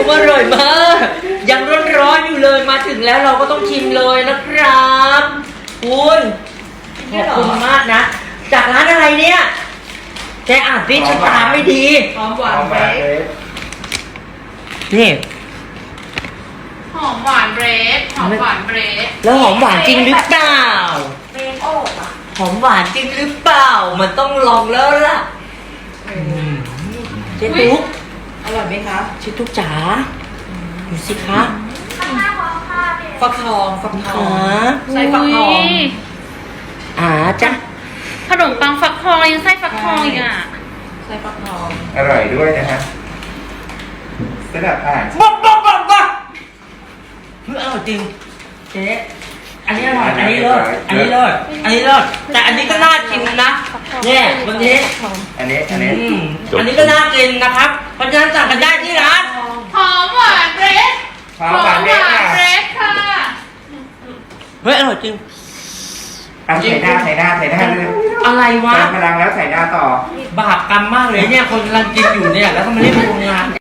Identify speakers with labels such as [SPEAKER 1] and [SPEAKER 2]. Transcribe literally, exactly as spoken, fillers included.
[SPEAKER 1] อร่อยมากยังร้อนๆอยู่เลยมาถึงแล้วเราก็ต้องชิมเลยนะครับคุณขอบคุณมากนะจากร้านอะไรเนี่ยแกอ่านดิฉันตามไม่ดี
[SPEAKER 2] หอมหวานเบรด
[SPEAKER 1] นี่
[SPEAKER 2] หอมหวานเบรดหอมหวานเบรด
[SPEAKER 1] แล้วหอมหวานจริงหรือเปล่า
[SPEAKER 2] เบรดโอบอ่ะ
[SPEAKER 1] หอมหวานจริงหรือเปล่ามันต้องลองแล้วล่ะเจ๊ตุ๊ก
[SPEAKER 2] อร่อยไหมคะ
[SPEAKER 1] เจ๊ตุ๊กจ๋าดูสิคะ
[SPEAKER 2] ฟักทองฟักทอง
[SPEAKER 1] ขา
[SPEAKER 2] ใส่ฟักทอง
[SPEAKER 1] อ่าจ้ะ
[SPEAKER 3] ขนมปังฟักทองยังไส้ฟักทองอีกอ่ะ
[SPEAKER 2] ใส่ฟักทอง
[SPEAKER 4] อร่อยด้วยนะฮะสลับอ่าน
[SPEAKER 1] บ๊อบบ๊อบบ๊อบบ๊อบเฮ้ยอร่อยจริงเจ๊อันนี้อร่อยอันนี้เลิศอันนี้เลิศอันนี้เลิศแต่อันนี้ก็น่ากินนะเนี่ยวันนี้
[SPEAKER 4] อันนี้อันนี้
[SPEAKER 1] อืมอันนี้ก็น่ากินนะครับเพราะฉะนั้นสั่งกันได้ที่ร้าน
[SPEAKER 2] หอมหวานเบรด
[SPEAKER 4] หอมหวานเล็กค่ะ
[SPEAKER 2] เบรดค่ะ
[SPEAKER 1] เฮ้ยอร่อยจริง
[SPEAKER 4] อ่ะใส่หน้าใส่หน้าใส่หน้าเลย
[SPEAKER 1] อะไรวะ
[SPEAKER 4] เติมพลังแล้วใส่หน้าต่อ
[SPEAKER 1] บาปกรรมมากเลยเนี่ยคนกำลังกินอยู่เนี่ยแล้วก็มาเล่นโรงงาน